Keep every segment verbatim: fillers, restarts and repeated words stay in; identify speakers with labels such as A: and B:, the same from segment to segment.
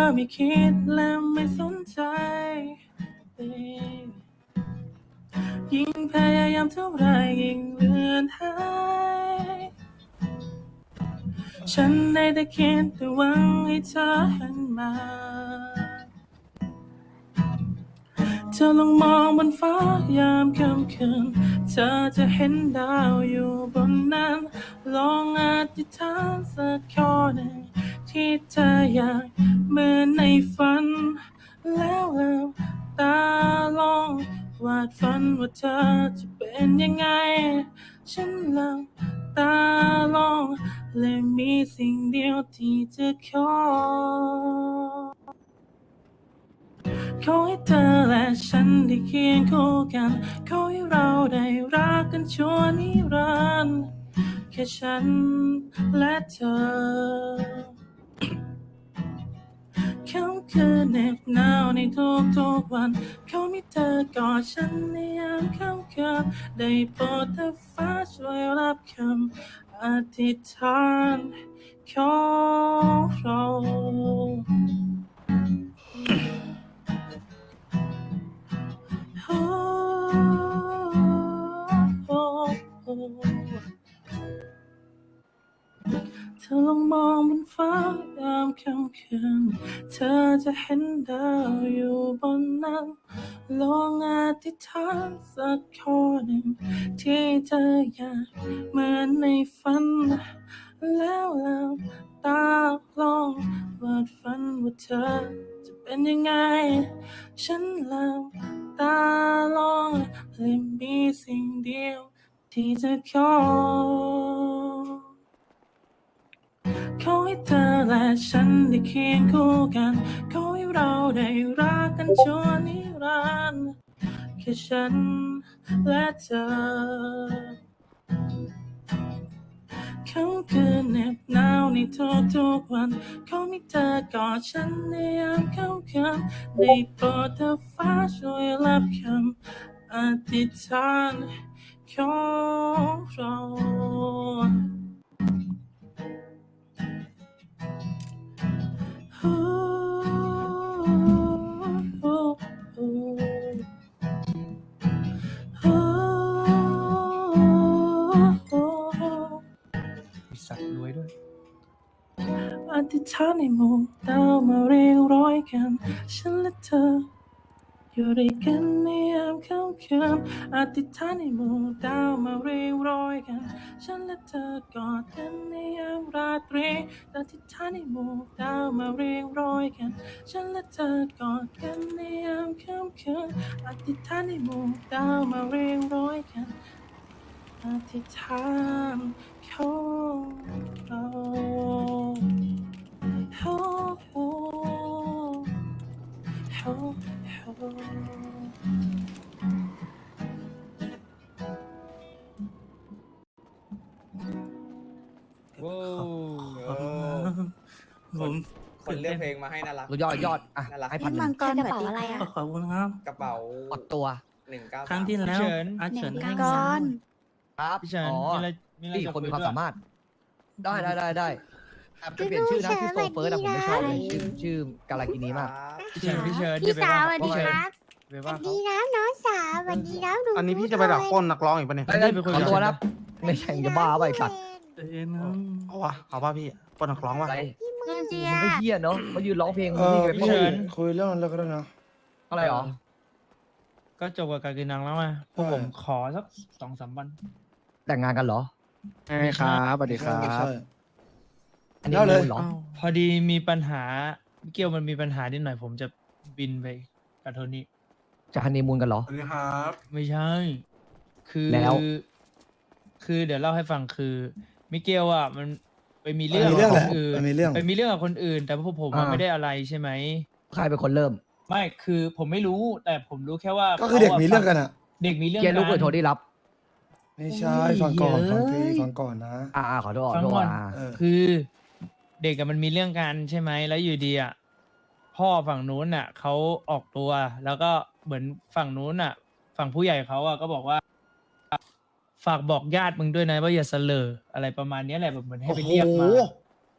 A: ไม่คิดและไม่สนใจยิ่งพยายามเท่าไรยิ่งเลือนหายฉันได้แต่คิดแต่หวังให้เธอหันมาเธอลองมองบนฟ้ายามค่ำคืนเธอจะเห็นดาวอยู่บนนั้นลองอธิษฐานสักข้อหนึ่งที่เธออยากเหมือนในฝันแล้วลืมตาลองวาดฝันว่าเธอจะเป็นยังไงฉันลืมตาลองและมีสิ่งเดียวที่จะขอขอให้เธอและฉันได้เคียงคู่กันขอให้เราได้รักกันชั่วนิรันดร์แค่ฉันและเธอค่ำคืนเหน็บหนาวในทุกๆวันเขามีเธอกอดฉันในยามค่ำคืนได้โปรดเธอฟ้าช่วยรับคำอธิษฐานของเราโอ้โอ้โอ้เธอลองมองบนฟ้ายามค่ำคืนเธอจะเห็นดาวอยู่บนนั้นลองอธิษฐานสักข้อหนึ่งที่เธออยากเหมือนในฝันแล้วลืมตาลองวาดฝันว่าเธอจะเป็นยังไงฉันลืมตาลองและมีสิ่งเดียวที่จะขอขอให้เธอและฉันได้เคียงคู่กันขอให้เราได้รักกันชั่วนิรันดร์แค่ฉันและเธอค่ำคืนเหน็บหนาวในทุกๆวันขอให้เธอกอดฉันในยามค่ำคืนได้โปรดเธอฟ้าช่วยรับคำอธิษฐานของเราโอ้โอ้โอ้โอ้โอ้
B: มีสัตว์รวยด้วย
A: อธิษฐานให้หมู่ดาวมาเรียงร้อยกันฉันและเธออยู่ด้วยกันในยามค่ำคืนอธิษฐานให้หมู่ดาวมาเรียงร้อยกันฉันและเธอกอดกันในยามราตรีอธิษฐานให้หมู่ดาวมาเรียงร้อยกันฉันและเธอกอดกันในยามค่ำคืนอธิษฐานให้หมู่ดาวมาเรียงร้อยกันอธิษฐานของเราโอ้โอ้โอ้โอ้
C: โว้ว
A: ผม
C: คนเลือกเพลงมาให้น่ารัก
B: ยอดยอดอ่ะ
C: น่ารัก
B: ให้พันห
D: มั
B: นึ่
D: ง
B: ง
D: กรกระเป๋าอะไรอ่ะ
A: ขอบคุณครับ
C: กระเป๋าก
B: ดตัว
C: หนึ่งเก้า
A: ครั้งที่แล้ว
E: เฉิน
A: อาเฉิน
D: หนึ่ง
A: ให้
D: ก้
A: มา
D: อน
B: ครับ
E: พี่เฉิน
B: อ๋อ
E: มีอะไรมีอะไร
B: นี่
E: จะ
B: คนมี
E: ย
B: ความ
E: ด้วย
B: สามารถ ได้ได้ได้ได้อ่ะไปเปลี่ยนชื่อนะชื่อโซเฟิร์สอะผมไม่ชอบเลยชื่อชื่อกาลากินีมาก
E: พี่เฉินพี่เฉิน
D: พี่
E: อย่ไป
D: สาวส
E: ว่า
D: วัสดี
E: พี่เฉิน
D: ครับ
E: ไป
D: ส
E: ว่า
D: วัส
E: เขา
D: ดีนะน้องสาวสวัสดีนะดู
F: อันนี้พี่จะไปดักปล้นนักร้องอีกปะเนี่ย
B: ได้ได้ขอตัวนะไม่ใช่จะบ้าไปสัตว์
A: เอ็นนะ
F: เอาวะเอาป่ะพี่ปล้นนักร้องวะ
B: อะไร
D: มึงเจีย
B: มันก็เฮี้ยเนาะเขายืนร้องเพลง
G: เออ
B: นี่ไป
G: พี่
B: พู
G: เฉิ
B: ด
G: นคุยเรื่องนั้นแล้วก็ได้นะ
B: อะไรหรอ
E: ก็จบกับการกินนังแล้วไงพวก
G: ใช่
E: ผมขอสักสองสามวัน
B: แต่งงานกันเหรอ
F: ใช่ครับสวัสดีครั
G: ใช่
F: บ
B: อันนี้
G: เอาเลย
B: มูลเหรอ
E: พอดีมีปัญหาเกี่ยวมันมีปัญหานิดหน่อยผมจะบินไปกับโทนี่
B: จะฮันนีมูนกันเหรอ
F: สวัสดีครับ
E: ไม่ใช่ คือ
B: แล้ว
E: คือเดี๋ยวเล่าให้ฟังคือมิเกลอ่ะมันไปมีเรื่
G: มั
E: อน ง
G: มีเรื่อง
E: กับ
G: แห
E: ค
G: ละ
E: นอื่น
G: มันมีเรื่อง
E: ไปมีเรื่องกับคนอื่น แต่พวกผมอะ
B: อ่า
E: ไม่ได้อะไรใช่ไหม
B: ใครเป็นคนเริ่ม
E: ไม่คือผมไม่รู้แต่ผมรู้แค่ว่า
G: ก็คือเด็ก
E: ขาะ
G: มีเรื่องกันอ่ะ
E: เด็กมีเรื่อง
B: เกียร์ลูกเปิดโทรได้รับ
G: ไม่ใช่ฟังก่อนฟังทีฟังก่อนนะ
B: อ่าอ่าขอโทษขอ
E: ฟัง
B: โทษ
E: ก่อน
B: อ่า
G: เออ
E: คือเด็กกับมันมีเรื่องกันใช่ไหมแล้วอยู่ดีอ่ะพ่อฝั่งนู้นอ่ะเขาออกตัว แล้วก็เหมือนฝั่งนู้นอ่ะ ฝั่งผู้ใหญ่เขาอ่ะก็บอกว่า ฝากบอกญาติมึงด้วยนะว่าอย่าเสลออะไรประมาณเนี้ยแหละแบบเหมือนให้
F: โอ้
E: ไป
F: โห
E: เรียกมา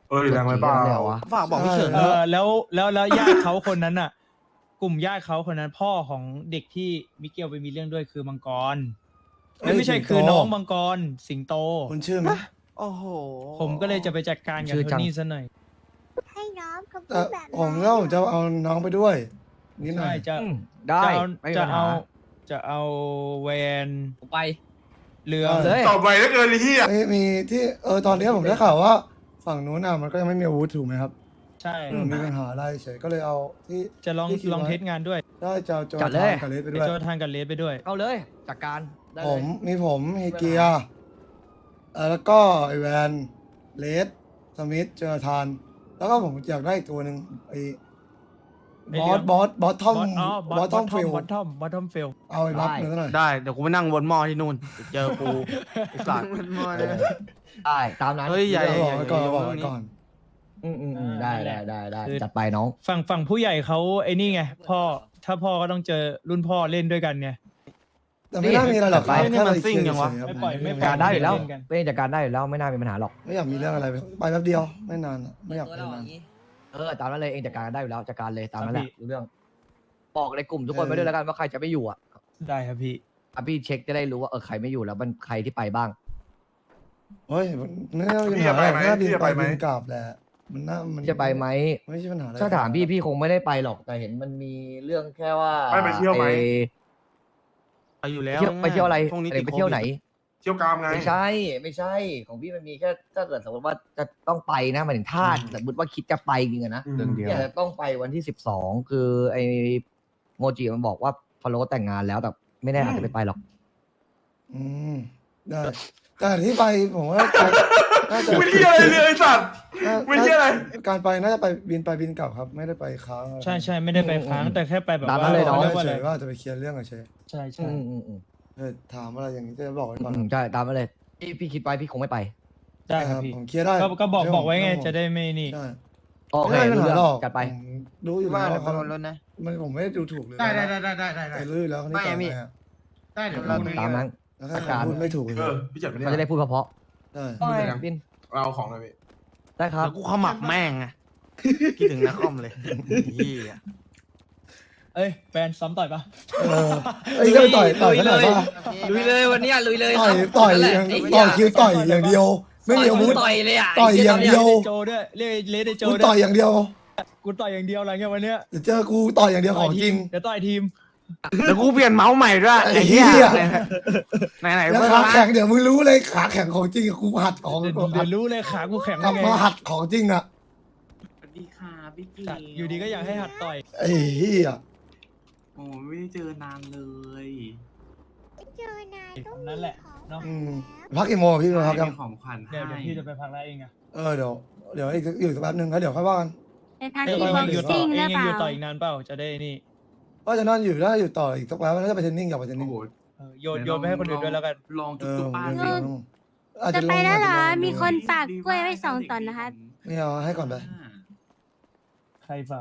H: เอ้ยแรงไปเปล่า
B: เลยเหรอวะ
F: ฝากบอกพี่เฉิน
E: เอ
F: ด้วย
E: อแล้วแล้วแล้วญาติเขาคนนั้นอ่ะ กลุ่มญาติเขาคนนั้นพ่อของเด็กที่มิเกลไปมีเรื่องด้วยคือมังกรเอ้ยไม่ใช่คือน้องมังกรสิงโต
G: คุณชื่อไหม
F: โอ้โห
E: ผมก็เลยจะไปจัดการกับ
B: ชื่อ
E: โท
B: จัง
E: นี่ซะหน่อย
D: ให้น้องกับ
G: แต่
D: พูดแบบ
G: ผมก็ผมจะเอาน้องไปด้วยนิดหน่
E: ใช่
G: อย
E: จะ
B: อืมได้
E: จะเอา
B: ไม่มี
E: จะ
B: ปัญหา
E: เอาจะเอาแวน
C: ไป
E: เรือ
B: เลย
H: ต่อไปแล้วเกินไอ้เหี้ย
G: มีมีที่เออตอนนี้ผมได้ข่าวว่าฝั่งนู้นอ่ะมันก็ยังไม่มีอาวุธถูกไหมครับ
E: ใช่
G: มันมีปัญหาอะไรเฉยก็เลยเอาที่
E: จะลอง
G: ที่คิด
E: ลอง
G: ไว้
E: เทสงานด้วย
G: ได้จะเอาโจ
B: จัดเลย
G: ทานกับเลสไป
E: ไป
G: ด้วย
E: โจทานกับเลสไปด้วย
B: เอาเลยจัดการได้
G: ผ
B: เลย
G: มมีผมเฮเกียร์เอ่อแล้วก็ไอแวนเลสสมิธเจอทาน แล้วก็ผมอยากได้อีกตัวหนึ่งไอ
E: ไอ้
G: บ
E: เหลื
G: อ
E: อ
G: ส
E: ง
G: บอสบอสทอม
E: อ๋อบ
G: อสทอม
E: ทอ
G: ฟิ
E: ม
G: ล
E: บอททอมบอททอมเฟล
G: เอาไอ้บัฟเนื้อหน่อย
F: ได้เดี๋ยวกูไปนั่งวนหม้อที่นู่นเจอกูไอ้สัตว์
B: เออได้ตามนั้น
F: เฮ้ยใหญ่
G: เอาบอกไว้ก่อนเอาบอกไว้ก่อน
B: อืมอืมอืมได้ได้ได้ได้จัดไปน้อง
E: ฝั่งฝั่งผู้ใหญ่เขาไอ้นี่ไงพ่อถ้าพ่อก็ต้องเจอรุ่นพ่อเล่นด้วยกันไง
G: แต่ไม่น่ามีอะไรหรอกครับ
F: นี่
G: แค่
F: มัน
G: ไป
F: ซิ่งยังวะ
G: เฉๆครับ
E: ไม่ปล่อยไม่ปล่
B: การได้อยู่แล้ว
E: เล่นกัน
B: เป็นจัดการได้อยู่แล้วไม่น่ามีปัญหาหรอก
G: ไม่อยากมีเรื่องอะไรไปไปแป๊บเดียวไม่นานอะไม่อยากไปนาน
B: เออตามนั้นเลยเองจัดการได้อยู่แล้วจัดการเลยตามนั้นแหละรู้เรื่องบอกในกลุ่มทุกคนไปด้วยแล้วกันว่าใครจะไม่อยู่อ่ะ
E: ได้ครับพี่
B: อ่ะพี่เช็คจะได้รู้ว่าเออใครไม่อยู่แล้วมันใครที่ไปบ้าง
G: เฮ้ยไม่น่ามีปัญหาหรอกน่าบินไปบินกลับแหละมันน่ามัน
B: จะไปไหม
G: ไม่ใช่ปัญหาอะไร
B: ถ้าถามพี่พี่คงไม่ได้ไปหรอกแต่เห็นมันมีเรื่องแค่ว่า
H: ไม่ไปเที่ยวไหม
B: อ้
F: ไปอยู่แล้ว
B: เที่ยวไปเที่ยวอะไร
F: ช่วงนี้
B: อะไร
F: ติด
B: ไปเที่ยวไหน
H: เที่ยวกามไง
B: ไม่ใช่ไม่ใช่ของพี่มันมีแค่ถ้าเกิดสมมติว่าจะต้องไปนะหมายถึงถ้าสมมติว่าคิดจะไปจริงๆอะนะ
H: เรื่องเดียว
B: เนี่ยต้องไปวันที่สิบสองคือไอ้โมจิมันบอกว่าฟาโรห์แต่งงานแล้วแต่ไม่แน่อาจจะไม่ไปหรอก
G: อืมได้แต่ที่ไปผมว่าน่าจะ
H: ไม่เที่ยวอะไรเลยไอ้สัตว์
G: น่า
H: ไม่เที่ยวอะไร
G: การไปน่าจะไปบินไปบินกลับครับ ไม่ได้ไปค้างอะไร
E: ใช่ใช่ไม่ได้ไปค้างแต่แค่ไปแบบ
B: ตาม
E: ว่า
B: นั้นเลยเนาะ
E: รีกว่า
G: เฉ
E: อะไร
G: ยๆว่าจะไปเคลียร์เรื่องเฉย
E: ใช่
B: อื
E: ใช่
B: มอืมอืม
G: ๆเออถามอะไรอย่างนี้จะบอกไว้ก่อน
B: อืมใช่ตามมาเลยพี่พี่คิดไปพี่คงไม่ไป
E: ได้ครับพี่
G: ผมเคลียร์ได้
E: ก็ก็บอก
G: เรื่ง
E: บอกไว้ไง
G: เรื่อง
E: จะได้ไม่นี่
G: ใช่
B: โอเค
G: ไม่ได้ปัญ
B: รู้
G: หา
B: เรื่อง
G: หรอก
B: จัดไป
G: ผมรู้อยู่
F: ว่า
G: แล้ว
F: เดี๋ยว
G: เขา
F: รถนะ
G: มันผมไม่ได้ดูถูกเลย
F: ได้ได้
G: นะ
F: ได้ได้ได้ได้
G: แต่รู้อยู่แล้วคนนี้
F: ไม่
G: ก่อน
F: พี่
G: ไปอะ
F: ได้เดี๋ยวเรา
B: ตามนั้น
G: แล้วแค่ผมพูดไม่ถูกเลย
H: เออพี่เจ็บไป
B: มันจะ
H: เนี่ย
B: ได้พูดเพราะ
G: ใช่
B: ๆโอเคบิน
H: เราเอาของหน่อยพี่
B: ได้ครับ
F: แล้วกูขมับแม่งไงคิดถึงนักคอมเลยเฮีย
E: เอ้ยแฟนซ้อมต่อยปะ
G: เออไอ้ยก็ต่อยต่อยกันหน่อยป่ะ
C: ลุยเลยวันเนี้ยลุยเลย
G: ต่อยต่อยอย่างต่อยคิวต่อยอย่างเดียว ไม่มีอาวุธ
C: ต่อยเลยอ่ะ
G: ต่อยอย่างเดียว
E: โจด้วยเรียกเลสไดโจ
G: กู
E: ด้
G: ต่
E: ว
G: อย
E: ย
G: อย่างเดียว
E: กูต่อยอย่างเดียวอะไรเงี้ยวันเนี้ย
G: เดี๋ยวเจอกูต่อยอย่างเดียวของจริง
E: เดี๋ยวต่อยทีม
F: แล้วกูเปลี่ยนเมาส์ใหม่ด้วย
G: ไอ้
F: ไอ้
G: เหี้
F: เหี้
G: ย
F: ยไหนไหนๆ
G: แล้ว
F: เพิ่ง
G: ขา
F: มา
G: แข็งเดี๋ยวมึงรู้เลยขาแข็งของจริงกูหัดของ
E: เดี๋ยว
G: หั
E: เดี๋ย
G: ด
E: วรู้เลยขากูแข็ง
G: กลับ
E: ไง
G: มาหัดของจริงอ่ะ
I: สวัสดีค่ะพี่เกี
E: จัดอยู่ดีก็อยากให้หัดต่อย
G: ไอ้เหี้ย
I: โอ้ไม่ได้เจอนานเลย
D: เจอนายต้อง
E: นั่นแหละเนาะ
G: อืมพักกี่โมงอะพี่พักยัง
I: มีของขวัญให้
E: เดี๋ยวเดี๋ยวพี่จะไปพักแล้วเองอะ
G: เออเดี๋ยวเดี๋ยวอีกอยู่สักแป๊บนึงแล้วเดี๋ยวค่อยว่ากัน
D: ในทาง
E: เอ้ย
D: ที่
E: เอง
D: บ็อก
E: อยู่ต่อ
D: ซิ่ง
E: เอ
D: หรื
E: ง
D: อ
E: ยัง
D: เปล่า
E: อยู่ต่ออีกนานเปล่าจะได้นี่
G: ว่าจะนั่นอยู่ได้อยู่ต่ออีกสักแป๊บแล้วจะไปเทรนนิ่งอยากไปเทรน
I: โอ้
G: นิ่ง
I: โห
E: เออโยนโยนไปให้คนอื่นด้วยแล้วกัน
I: ลอง
G: เอ
I: จุ๊บ
G: อ
I: ป้า
G: เดี๋ยว
I: สิ
G: เดี๋ยวอาจ
D: จะ
G: จะล
D: ไป
G: ง
D: แล้วเหรอ
G: อาจจะลง
D: มีคนฝากกล้วยไว้สองตอนนะครับ
G: ไม่เอาให้ก่อนไป
E: ใครฝาก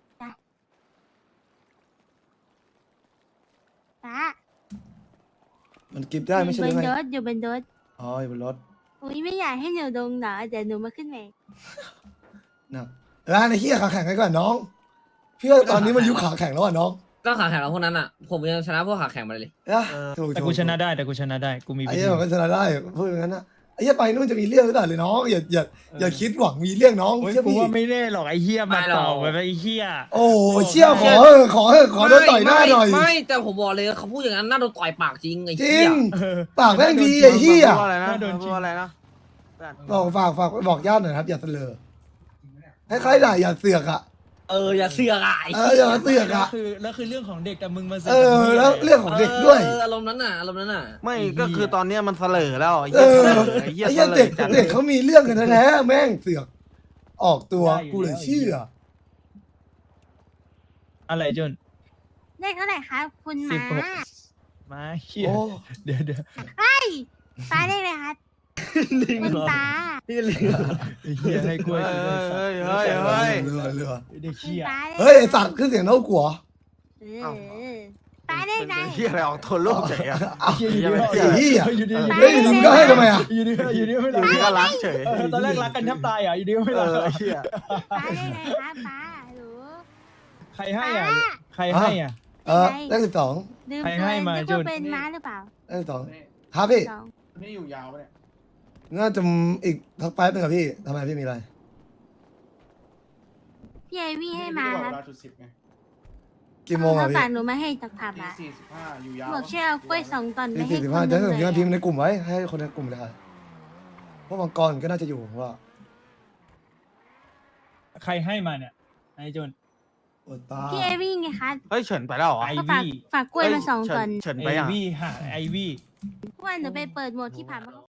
D: ป้า
G: มันกิฟได้ไม่ใช่
D: บ
G: หรื
D: น
G: อไง
D: รถอยู่บนรถ
G: อ๋ออยู่บนรถ
D: อุ้ยไม่อยากให้หนูลงเหรอเดี๋ยวหนูมาขึ้นเอง
G: นะเออไอ้เหี้ยขาแข็งไว้ก่อนน้องพี่ว่าตอนนี้มันยุคขาแข็งแล้วอ่ะน้อง
C: ก็ขาแข็งเราพวกนั้นอ่ะ ผมยังชนะพวกขาแข็งมาเลย
G: นะถูก
E: แต่
G: ถู
E: กูชนะได้แต่กูชนะได้กูมี
G: ไอ้
E: วิ
G: เหี้
E: ธี
G: ยมันก็ชนะได้พูดอย่างนั้นนะไอ้เหี้ยไปนู่นจะมีเรื่องหรือเปล่าเลยน้องอย่าอย่าอย่าคิดหวังมีเรื่องน้อง
E: โอ้ย
G: เชื่อ
E: กู
G: พี่
E: ว่าไม่แน่หรอกไอ้เฮียมา
C: ไม่หรอก
E: ต่อไปไอ้เฮีย
G: โอ้เชี่ยขอเออขอเออขอโดนต่อยหน้าหน่อย
C: ไม่แต่ผมบอกเลยเขาพูดอย่างนั้นน่าโดนต่อยปากจริงไอ้
G: จริ
C: เหี้ย
G: ง
E: เออ
G: ปากแม่งดีไอ้เหี้ย
F: พูดอะไรนะพูดอะไรนะ
G: บอกฝากฝากบอกญาติหน่อยครับอย่าเสลอให้ใครๆด่าอย่าเสือกอ่ะ
C: เอออย่าเสือกอ่ะไอ้
G: เอออย่ามาเสือก
E: แล้ว
G: อ่ะ
E: คือแล้วคือเรื่องของเด็กแต่มึงมาเสื
G: เอ
E: กับ
G: อ
E: มึง
G: แล้วเรื่องของเด็กด้วย
C: เอออารมณ์นั้นน่ะอารมณ์นั้นน่ะ
F: ไม่ก็คือตอนเนี้ยมันเสลอแล้วไอ้
G: เอ
F: เหี้ย
G: อ
F: เสลอไอ้เหี้ย
G: ไอ้
F: เส
G: เหี้ย
F: ล
G: เด็ก
F: อจัด
G: เด็กเขามีเรื่องกันแท้ๆแม่งเสือกออกตัวกูเลยเชื่อ
E: อะไรจน
D: เลขเท่าไหร่ครับคุณห
E: สิบ
D: มา
E: หกมาเฮีย
G: โอ้
E: เดี๋ยวเดี๋ยว
D: ป้าเลขเลยครับคุณป้า
E: ไอ้เฮียให้กล้วย
F: เฮ้ย
E: กูด้วยสัตว์
F: เฮ้ยเฮ้ยเฮ้ย
G: เรือเรือ
E: เด็ก
D: คุณ
E: เชี่ย
D: ป้า
G: เฮ้ยไอ้สัตว์ขึ้นเสียงเท่ากัว
D: เออป้าได้ไง
F: เป็นที่อะไรออกโทนโลกเฉยอะ
G: เอา
E: เหี้ยอยู่ดี
G: ไอ้เหี้ย
E: อยู่ดี
G: เฮ้ยอยู่ดีมึงก็ให้ทำไมอ่ะ
E: อยู่ดีอยู่ดีไม่
F: อยู่
E: รัก
F: ดีก็รักเฉย
E: เออตอนแรกรักกันแทบตายอ่ะอยู่ดีไม่
F: เอ
E: รัก
F: อไอ้เหี้ย
D: ป้าได้ไงครับป้าหรือ
E: ใครให้อ่ะใครให้อ่ะ
G: เออเลขสิบสอง
D: ดื่ม
E: ใคร
D: เกิ
E: ให้
D: น
E: มา
D: นึก
E: จุ
D: ว่าน เป็นม้าหรือเปล่า
G: เลขสิบสองครับพี่
D: สอง
H: นี่อยู่ยาวปะเนี่ย
G: น่าจะอีกสักแป๊บนึงครับพี่ทำไมพี่มีอะไร
D: พี่ไอวี่ให้มาครับ
H: เวลาจุดสิบไง
G: กี่โมงอ่ะ
D: เขา
G: พี่
D: ฝากหนูมาให้จากผับ
H: ตี
D: อ่ะ
H: สี่สิบห้าอยู่ยาว
D: บอกช่วยเอากล้วยสองตอนไป
G: ที่
D: ให้
G: สี่สิบ
D: ค
G: ห้าน
D: ห
G: จะ
D: นึ
G: ให้
D: ง
G: ผม
D: เลย
G: พิมพ์ใน
D: อะ
G: กลุ่มไว้ให้คนในกลุ่มเลยครับเพราะมังกรก็น่าจะอยู่ผมว่า
E: ใครให้มาเนี่ยนายจุน
G: อดตา
D: พี่ไอวี่ไงคะ
F: เฮ้ยเฉินไปแล้วเหรอ
E: ไอ
D: เขาฝาก
E: วี่
D: ฝากกล้วยมาสอง
F: เฉิ
D: ตอน
F: เฉิน
E: ไอ
F: ไปอ่ะ
E: วี่หาไอวี่
D: วันหนูไปเปิดโหมดที่ผับ